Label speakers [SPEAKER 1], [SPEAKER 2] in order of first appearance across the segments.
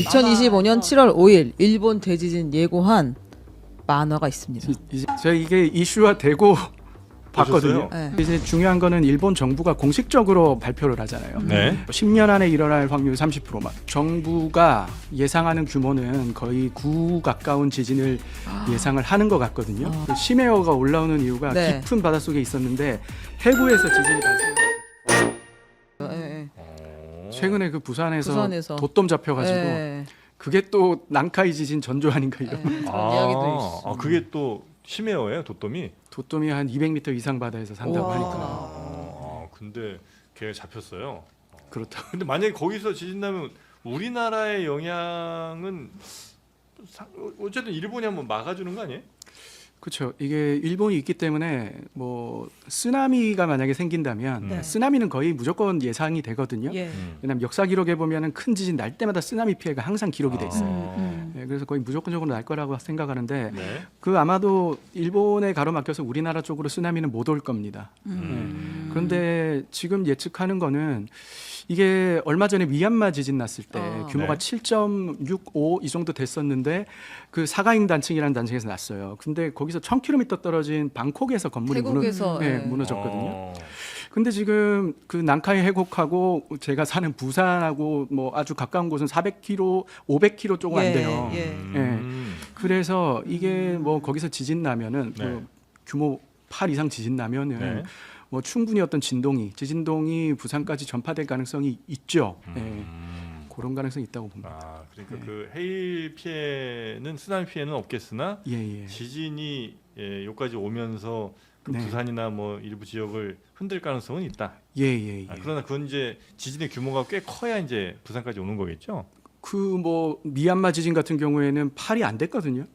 [SPEAKER 1] 2025년 7월 5일 일본 대지진 예고한 만화가 있습니다.
[SPEAKER 2] 제가 이게 이슈화되고 봤거든요.
[SPEAKER 1] 네.
[SPEAKER 2] 이제 중요한 거는 일본 정부가 공식적으로 발표를 하잖아요.
[SPEAKER 3] 네.
[SPEAKER 2] 10년 안에 일어날 확률 30%만. 정부가 예상하는 규모는 거의 9 가까운 지진을 예상을 하는 것 같거든요. 그 심해어가 올라오는 이유가
[SPEAKER 1] 네.
[SPEAKER 2] 깊은 바닷속에 있었는데 해구에서 지진이 발생.
[SPEAKER 1] 예,
[SPEAKER 2] 최근에 그 부산에서
[SPEAKER 1] 부산에서.
[SPEAKER 2] 돛돔 잡혀가지고
[SPEAKER 1] 예.
[SPEAKER 2] 그게 또 난카이 지진 전조 아닌가 이런.
[SPEAKER 1] 그런 이야기도 있어.
[SPEAKER 3] 아, 그게 또 심해어예요, 돛돔이?
[SPEAKER 2] 돛돔이 한 200m 이상 바다에서 산다고
[SPEAKER 1] 우와.
[SPEAKER 2] 하니까.
[SPEAKER 3] 근데 걔가 잡혔어요.
[SPEAKER 2] 그렇다.
[SPEAKER 3] 근데 만약에 거기서 지진 나면 우리나라의 영향은 어쨌든 일본이 한번 막아주는 거 아니에요?
[SPEAKER 2] 그렇죠. 이게 일본이 있기 때문에 뭐 쓰나미가 만약에 생긴다면
[SPEAKER 1] 네.
[SPEAKER 2] 쓰나미는 거의 무조건 예상이 되거든요.
[SPEAKER 1] 예.
[SPEAKER 2] 왜냐하면 역사 기록에 보면은 큰 지진 날 때마다 쓰나미 피해가 항상 기록이 돼 있어요.
[SPEAKER 1] 음.
[SPEAKER 2] 네, 그래서 거의 무조건적으로 날 거라고 생각하는데
[SPEAKER 3] 네.
[SPEAKER 2] 그 아마도 일본에 가로막혀서 우리나라 쪽으로 쓰나미는 못 올 겁니다. 그런데 지금 예측하는 거는 이게 얼마 전에 미얀마 지진 났을 때 규모가
[SPEAKER 3] 네.
[SPEAKER 2] 7.65 이 정도 됐었는데 그 사가잉 단층이라는 단층에서 났어요. 근데 거기서 1000km 떨어진 방콕에서 건물이
[SPEAKER 1] 태국에서
[SPEAKER 2] 무너졌거든요. 근데 지금 그 난카이 해곡하고 제가 사는 부산하고 뭐 아주 가까운 곳은 400km, 500km 조금 안 돼요. 그래서 이게 뭐 거기서 지진 나면은
[SPEAKER 3] 네.
[SPEAKER 2] 뭐 규모 8 이상 지진 나면은
[SPEAKER 3] 네.
[SPEAKER 2] 뭐 충분히 어떤 지진동이 부산까지 전파될 가능성이 있죠. 네. 그런 가능성이 있다고 봅니다.
[SPEAKER 3] 아, 그러니까
[SPEAKER 2] 네.
[SPEAKER 3] 그 해일 피해는 쓰나미 피해는 없겠으나
[SPEAKER 2] 예.
[SPEAKER 3] 지진이 여기까지 오면서 그
[SPEAKER 2] 네.
[SPEAKER 3] 부산이나 뭐 일부 지역을 흔들 가능성은 있다.
[SPEAKER 2] 예.
[SPEAKER 3] 그러나 그건 이제 지진의 규모가 꽤 커야 이제 부산까지 오는 거겠죠.
[SPEAKER 2] 그 뭐 미얀마 지진 같은 경우에는 8이 안 됐거든요.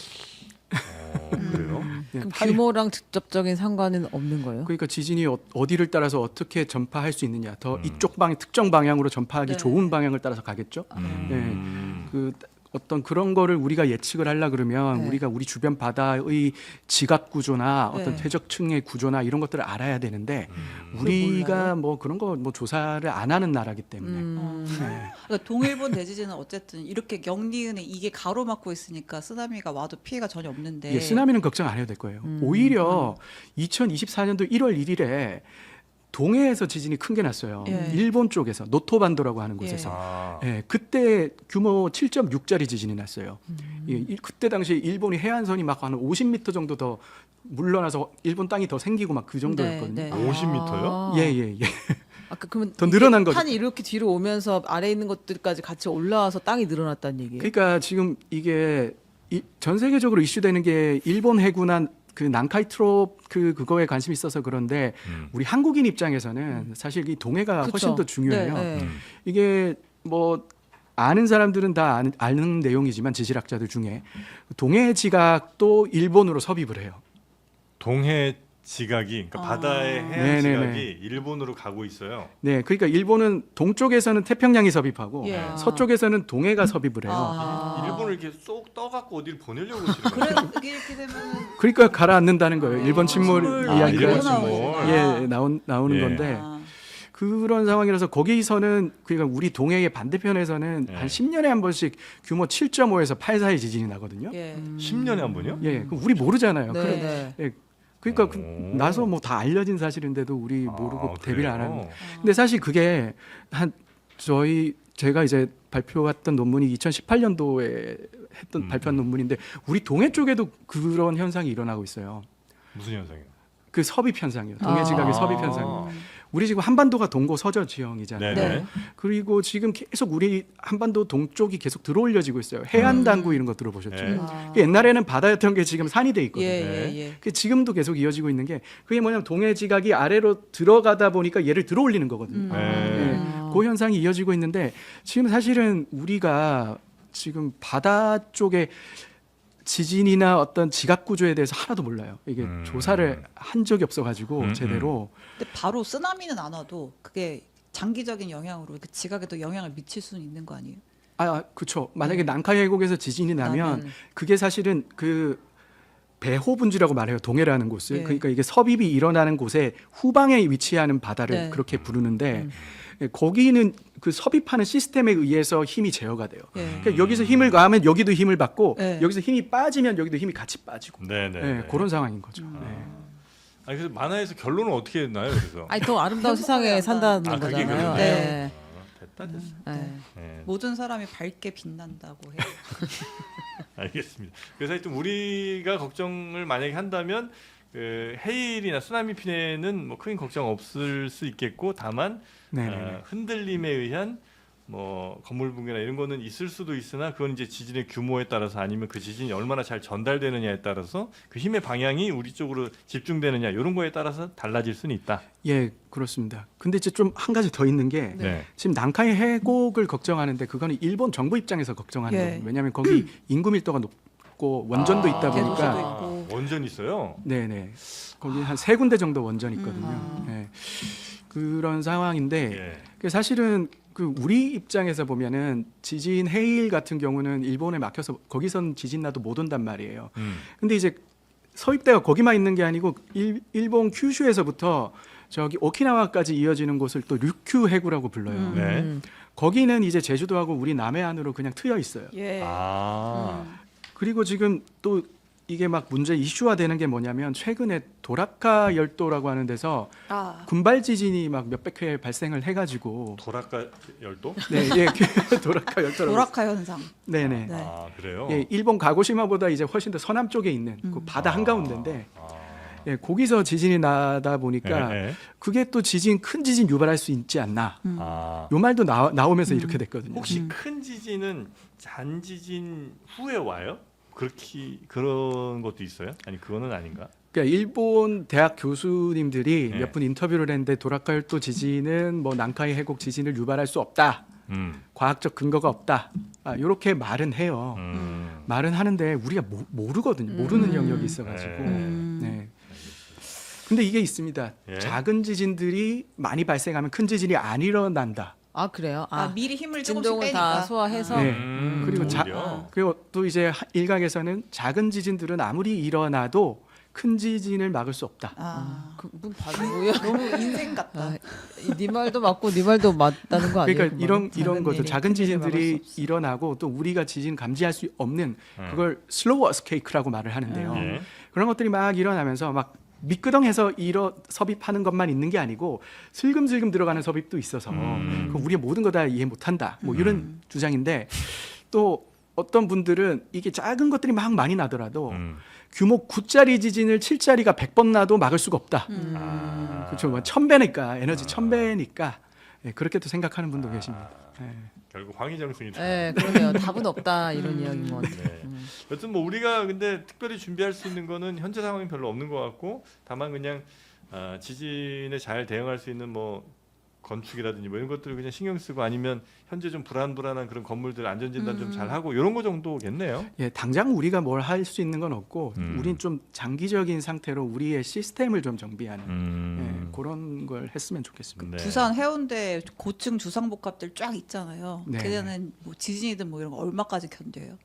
[SPEAKER 3] 그래요?
[SPEAKER 2] 네,
[SPEAKER 1] 그럼
[SPEAKER 2] 8이
[SPEAKER 1] 규모랑 직접적인 상관은 없는 거예요?
[SPEAKER 2] 그러니까 지진이 어디를 따라서 어떻게 전파할 수 있느냐, 더 이쪽 특정 방향으로 전파하기
[SPEAKER 1] 네.
[SPEAKER 2] 좋은 방향을 따라서 가겠죠. 그 어떤 그런 거를 우리가 예측을 하려 그러면
[SPEAKER 1] 네.
[SPEAKER 2] 우리가 우리 주변 바다의 지각 구조나 어떤
[SPEAKER 1] 네.
[SPEAKER 2] 퇴적층의 구조나 이런 것들을 알아야 되는데 우리가
[SPEAKER 1] 몰라요?
[SPEAKER 2] 뭐 그런 거 뭐 조사를 안 하는 나라기 때문에
[SPEAKER 4] 그러니까 동일본 대지진은 어쨌든 이렇게 영리은에 이게 가로막고 있으니까 쓰나미가 와도 피해가 전혀 없는데
[SPEAKER 2] 예, 쓰나미는 걱정 안 해도 될 거예요. 오히려 2024년도 1월 1일에 동해에서 지진이 큰 게 났어요.
[SPEAKER 4] 예.
[SPEAKER 2] 일본 쪽에서 노토반도라고 하는 곳에서. 예, 그때 규모 7.6짜리 지진이 났어요. 예, 그때 당시에 일본이 해안선이 막 한 50m 정도 더 물러나서 일본 땅이 더 생기고 막 그 정도였거든요.
[SPEAKER 4] 네.
[SPEAKER 3] 50m요?
[SPEAKER 2] 예.
[SPEAKER 1] 아까 그러면
[SPEAKER 2] 더
[SPEAKER 1] 이게
[SPEAKER 2] 늘어난 거죠.
[SPEAKER 1] 판이 이렇게 뒤로 오면서 아래에 있는 것들까지 같이 올라와서 땅이 늘어났다는 얘기예요?
[SPEAKER 2] 그러니까 지금 이게 전 세계적으로 이슈되는 게 일본 해군한 그 난카이 트롭 그거에 관심이 있어서 그런데 우리 한국인 입장에서는 사실 이 동해가
[SPEAKER 1] 그쵸.
[SPEAKER 2] 훨씬 더 중요해요.
[SPEAKER 1] 네.
[SPEAKER 2] 이게 뭐 아는 사람들은 다 아는 내용이지만 지질학자들 중에 동해 지각도 일본으로 섭입을 해요.
[SPEAKER 3] 동해 지각이 그러니까 바다의 해안
[SPEAKER 2] 네네네.
[SPEAKER 3] 지각이 일본으로 가고 있어요.
[SPEAKER 2] 네, 그러니까 일본은 동쪽에서는 태평양이 섭입하고
[SPEAKER 4] 예.
[SPEAKER 2] 서쪽에서는 동해가 섭입을 해요.
[SPEAKER 1] 아.
[SPEAKER 3] 일본을 이렇게 쏙 떠갖고 어디를 보내려고 그러시는
[SPEAKER 4] 그래
[SPEAKER 3] 거예요?
[SPEAKER 4] 이렇게 되면은
[SPEAKER 2] 그러니까 가라앉는다는 거예요. 일본 침몰
[SPEAKER 4] 침몰
[SPEAKER 2] 이야기가
[SPEAKER 3] 일본
[SPEAKER 4] 나오는
[SPEAKER 3] 침몰.
[SPEAKER 4] 거구나.
[SPEAKER 2] 예, 나오는
[SPEAKER 3] 예.
[SPEAKER 2] 건데 그런 상황이라서 거기서는 그러니까 우리 동해의 반대편에서는
[SPEAKER 3] 예.
[SPEAKER 2] 한 10년에 한 번씩 규모 7.5에서 8 사이 지진이 나거든요.
[SPEAKER 4] 예.
[SPEAKER 3] 10년에 한 번요?
[SPEAKER 2] 예, 그럼 우리 모르잖아요.
[SPEAKER 1] 네.
[SPEAKER 2] 그러니까
[SPEAKER 3] 오.
[SPEAKER 2] 나서 뭐 다 알려진 사실인데도 우리 모르고 대비를 안
[SPEAKER 3] 그래요?
[SPEAKER 2] 하는. 근데 사실 그게 제가 이제 발표했던 논문이 2018년도에 발표한 논문인데 우리 동해 쪽에도 그런 현상이 일어나고 있어요.
[SPEAKER 3] 무슨 현상이요?
[SPEAKER 2] 그 섭입 현상이요. 동해 지각의
[SPEAKER 3] 아.
[SPEAKER 2] 섭입 현상. 우리 지금 한반도가 동고 서저 지형이잖아요.
[SPEAKER 3] 네네.
[SPEAKER 2] 그리고 지금 계속 우리 한반도 동쪽이 계속 들어올려지고 있어요. 해안 당구 이런 거 들어보셨죠?
[SPEAKER 3] 네.
[SPEAKER 2] 옛날에는 바다였던 게 지금 산이 돼 있거든요.
[SPEAKER 4] 예.
[SPEAKER 2] 그 지금도 계속 이어지고 있는 게 그게 뭐냐면 동해 지각이 아래로 들어가다 보니까 얘를 들어올리는 거거든요.
[SPEAKER 3] 네.
[SPEAKER 2] 그 현상이 이어지고 있는데 지금 사실은 우리가 지금 바다 쪽에 지진이나 어떤 지각 구조에 대해서 하나도 몰라요. 이게 조사를 한 적이 없어가지고 제대로.
[SPEAKER 4] 근데 바로 쓰나미는 안 와도 그게 장기적인 영향으로 그 지각에도 영향을 미칠 수는 있는 거 아니에요?
[SPEAKER 2] 그렇죠. 만약에 난카이 해곡에서 지진이 나면
[SPEAKER 4] 나면.
[SPEAKER 2] 그게 사실은 그 배호분지라고 말해요. 동해라는 곳을.
[SPEAKER 1] 예.
[SPEAKER 2] 그러니까 이게 섭입이 일어나는 곳에 후방에 위치하는 바다를
[SPEAKER 1] 네.
[SPEAKER 2] 그렇게 부르는데 거기는 그 섭입하는 시스템에 의해서 힘이 제어가 돼요.
[SPEAKER 4] 예.
[SPEAKER 2] 그러니까 여기서 힘을 가하면 여기도 힘을 받고
[SPEAKER 4] 네.
[SPEAKER 2] 여기서 힘이 빠지면 여기도 힘이 같이 빠지고
[SPEAKER 3] 네네.
[SPEAKER 2] 네, 그런 상황인 거죠.
[SPEAKER 1] 음.
[SPEAKER 2] 네.
[SPEAKER 3] 아니 그래서 만화에서 결론은 어떻게 나요? 그래서
[SPEAKER 1] 아니 더 아름다운 세상에 산다는
[SPEAKER 3] 아, 그게
[SPEAKER 1] 거잖아요.
[SPEAKER 3] 그거네요.
[SPEAKER 1] 네.
[SPEAKER 3] 됐다 됐어.
[SPEAKER 1] 네.
[SPEAKER 3] 네.
[SPEAKER 4] 모든 사람이 밝게 빛난다고 해요.
[SPEAKER 3] 알겠습니다. 그래서 하여튼 우리가 걱정을 만약에 한다면 그 해일이나 쓰나미 피해는 뭐 큰 걱정 없을 수 있겠고 다만
[SPEAKER 2] 네.
[SPEAKER 3] 흔들림에 의한 뭐 건물 붕괴나 이런 거는 있을 수도 있으나 그건 이제 지진의 규모에 따라서 아니면 그 지진이 얼마나 잘 전달되느냐에 따라서 그 힘의 방향이 우리 쪽으로 집중되느냐 이런 거에 따라서 달라질 수는 있다.
[SPEAKER 2] 예, 그렇습니다. 근데 이제 좀 한 가지 더 있는 게
[SPEAKER 3] 네.
[SPEAKER 2] 지금 난카이 해곡을 걱정하는데 그거는 일본 정부 입장에서 걱정하는
[SPEAKER 4] 예.
[SPEAKER 2] 거예요. 왜냐하면 거기 인구 밀도가 높고 원전도 있다
[SPEAKER 4] 대도시도
[SPEAKER 2] 보니까
[SPEAKER 4] 있고.
[SPEAKER 3] 원전 있어요.
[SPEAKER 2] 네네 거기 한 3군데 정도 원전이 있거든요. 예. 그런 상황인데
[SPEAKER 3] 예.
[SPEAKER 2] 그 사실은 그 우리 입장에서 보면은 지진 해일 같은 경우는 일본에 막혀서 거기선 지진 나도 못 온단 말이에요. 근데 이제 서입대가 거기만 있는 게 아니고 일본 큐슈에서부터 저기 오키나와까지 이어지는 곳을 또 류큐 해구라고 불러요.
[SPEAKER 3] 네.
[SPEAKER 2] 거기는 이제 제주도하고 우리 남해안으로 그냥 트여 있어요.
[SPEAKER 4] 예.
[SPEAKER 3] 아.
[SPEAKER 2] 그리고 지금 또 이게 막 문제 이슈화 되는 게 뭐냐면 최근에 도라카 열도라고 하는 데서
[SPEAKER 4] 아.
[SPEAKER 2] 군발 지진이 막 몇백 회 발생을 해가지고
[SPEAKER 3] 도라카 열도?
[SPEAKER 2] 네, 예, 도라카 열도라고.
[SPEAKER 4] 도라카 현상.
[SPEAKER 2] 네네.
[SPEAKER 4] 네.
[SPEAKER 3] 아 그래요?
[SPEAKER 2] 예, 일본 가고시마보다 이제 훨씬 더 서남 쪽에 있는 그 바다 한가운데인데
[SPEAKER 3] 아.
[SPEAKER 2] 예, 거기서 지진이 나다 보니까
[SPEAKER 3] 예, 예.
[SPEAKER 2] 그게 또 큰 지진 유발할 수 있지 않나.
[SPEAKER 3] 아.
[SPEAKER 2] 요 말도 나오면서 이렇게 됐거든요.
[SPEAKER 3] 혹시 큰 지진은 잔지진 후에 와요? 그렇게 그런 것도 있어요? 아니 그거는 아닌가?
[SPEAKER 2] 그러니까 일본 대학 교수님들이
[SPEAKER 3] 네.
[SPEAKER 2] 몇 분 인터뷰를 했는데 도라카 열도 지진은 뭐 난카이 해곡 지진을 유발할 수 없다. 과학적 근거가 없다. 이렇게 말은 해요. 말은 하는데 우리가 모르거든요. 모르는 영역이 있어가지고. 네. 근데 이게 있습니다.
[SPEAKER 3] 예.
[SPEAKER 2] 작은 지진들이 많이 발생하면 큰 지진이 안 일어난다.
[SPEAKER 1] 아 그래요?
[SPEAKER 4] 아, 미리 힘을 조금씩
[SPEAKER 1] 진동을
[SPEAKER 4] 빼니까.
[SPEAKER 1] 다 소화해서
[SPEAKER 2] 네. 그리고
[SPEAKER 3] 오히려.
[SPEAKER 2] 그리고 또 이제 일각에서는 작은 지진들은 아무리 일어나도 큰 지진을 막을 수 없다.
[SPEAKER 4] 아.
[SPEAKER 1] 그분 반응 뭐야?
[SPEAKER 4] 너무 인생 같다.
[SPEAKER 1] 아, 네 말도 맞고 네 말도 맞다는 거 아니에요?
[SPEAKER 2] 그러니까 이런 거죠.
[SPEAKER 1] 일이
[SPEAKER 2] 작은
[SPEAKER 1] 큰 일을 막을
[SPEAKER 2] 지진들이
[SPEAKER 1] 수 없어.
[SPEAKER 2] 일어나고 또 우리가 지진 감지할 수 없는 그걸 슬로우 어스케이크라고 말을 하는데요.
[SPEAKER 3] 예.
[SPEAKER 2] 그런 것들이 막 일어나면서 막 미끄덩해서 섭입하는 것만 있는 게 아니고 슬금슬금 들어가는 섭입도 있어서 그 우리가 모든 거 다 이해 못한다. 뭐 이런 주장인데 또 어떤 분들은 이게 작은 것들이 막 많이 나더라도 규모 9짜리 지진을 7짜리가 100번 나도 막을 수가 없다. 그렇죠. 뭐 1000배니까 에너지 1000배니까 그렇게 또 생각하는 분도 계십니다. 예.
[SPEAKER 3] 결국 황희정승이다.
[SPEAKER 1] 네, 그러네요. 답은 없다 이런 이야기인 것 같아요.
[SPEAKER 3] 네. 여튼 뭐 우리가 근데 특별히 준비할 수 있는 거는 현재 상황이 별로 없는 것 같고 다만 그냥 지진에 잘 대응할 수 있는 뭐 건축이라든지 뭐 이런 것들을 그냥 신경 쓰고 아니면 현재 좀 불안한 그런 건물들 안전 진단 좀 잘 하고 이런 거 정도겠네요.
[SPEAKER 2] 예, 당장 우리가 뭘 할 수 있는 건 없고
[SPEAKER 3] 음.
[SPEAKER 2] 우린 좀 장기적인 상태로 우리의 시스템을 좀 정비하는
[SPEAKER 3] 음.
[SPEAKER 2] 예, 그런 걸 했으면 좋겠습니다.
[SPEAKER 3] 네.
[SPEAKER 4] 부산 해운대 고층 주상복합들 쫙 있잖아요.
[SPEAKER 2] 네.
[SPEAKER 4] 걔네는 뭐 지진이든 뭐 이런 거 얼마까지 견뎌요?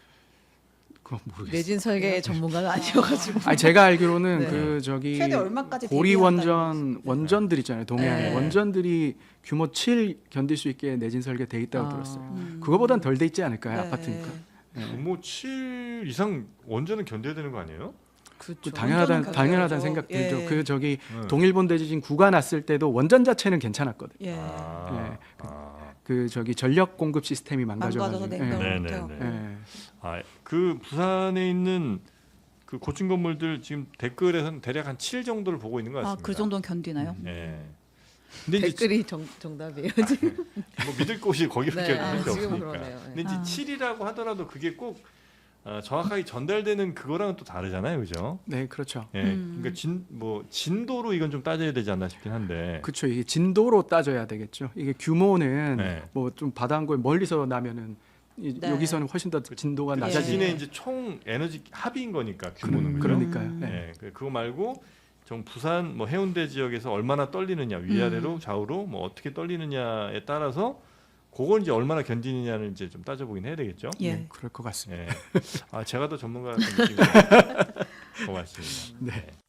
[SPEAKER 2] 그건 모르겠어요.
[SPEAKER 1] 내진 설계 전문가는 아니어가지고.
[SPEAKER 2] 아니 제가 알기로는
[SPEAKER 1] 네.
[SPEAKER 2] 그 저기
[SPEAKER 4] 최대 얼마까지
[SPEAKER 2] 고리
[SPEAKER 4] 대비한다는
[SPEAKER 2] 원전들 있잖아요. 동해안에
[SPEAKER 4] 네.
[SPEAKER 2] 원전들이 규모 7 견딜 수 있게 내진 설계 돼 있다고 들었어요. 그거보단 덜 돼 있지 않을까요?
[SPEAKER 4] 네.
[SPEAKER 2] 아파트니까.
[SPEAKER 3] 규모 7 이상 원전은 견뎌야 되는 거 아니에요?
[SPEAKER 1] 그렇죠.
[SPEAKER 4] 원전은
[SPEAKER 2] 당연하다는
[SPEAKER 4] 견뎌야죠.
[SPEAKER 2] 생각 들죠.
[SPEAKER 4] 예.
[SPEAKER 2] 그 저기
[SPEAKER 3] 네.
[SPEAKER 2] 동일본 대지진 9가 났을 때도 원전 자체는 괜찮았거든요.
[SPEAKER 4] 예.
[SPEAKER 3] 아.
[SPEAKER 2] 그 저기 전력 공급 시스템이
[SPEAKER 4] 망가져서
[SPEAKER 2] 망가져가지고.
[SPEAKER 4] 냉각을
[SPEAKER 3] 네,
[SPEAKER 4] 못해요.
[SPEAKER 3] 네, 네.
[SPEAKER 2] 예.
[SPEAKER 3] 그 부산에 있는 그 고층 건물들 지금 댓글에서는 대략 한 7 정도를 보고 있는 것 같습니다.
[SPEAKER 4] 아, 그 정도는 견디나요?
[SPEAKER 3] 네. 근데 이제
[SPEAKER 1] 댓글이 정답이에요 지금.
[SPEAKER 3] 뭐 믿을 곳이 거기밖에
[SPEAKER 1] 네,
[SPEAKER 3] 없는 게
[SPEAKER 1] 지금
[SPEAKER 3] 없으니까.
[SPEAKER 1] 그러네요. 네.
[SPEAKER 3] 근데 이제 7이라고 하더라도 그게 꼭 정확하게 전달되는 그거랑은 또 다르잖아요, 그죠?
[SPEAKER 2] 네, 그렇죠.
[SPEAKER 3] 예, 그러니까 진도로 이건 좀 따져야 되지 않나 싶긴 한데.
[SPEAKER 2] 그렇죠. 이게 진도로 따져야 되겠죠. 이게 규모는
[SPEAKER 3] 네.
[SPEAKER 2] 뭐 좀 바다한골 멀리서 나면은
[SPEAKER 4] 네.
[SPEAKER 2] 여기서는 훨씬 더 진도가
[SPEAKER 3] 그
[SPEAKER 2] 낮아지죠.
[SPEAKER 3] 지진의 이제 총 에너지 합인 거니까 규모는 그죠?
[SPEAKER 2] 그러니까요.
[SPEAKER 4] 음.
[SPEAKER 2] 네.
[SPEAKER 3] 예, 그거 말고 정 부산 뭐 해운대 지역에서 얼마나 떨리느냐 위아래로 좌우로 뭐 어떻게 떨리느냐에 따라서 그걸 이제 얼마나 견디느냐를 이제 좀 따져보긴 해야 되겠죠.
[SPEAKER 4] 예.
[SPEAKER 2] 네, 그럴 것 같습니다.
[SPEAKER 3] 예. 제가 더 전문가 같은 느낌이. 고맙습니다.
[SPEAKER 2] 네.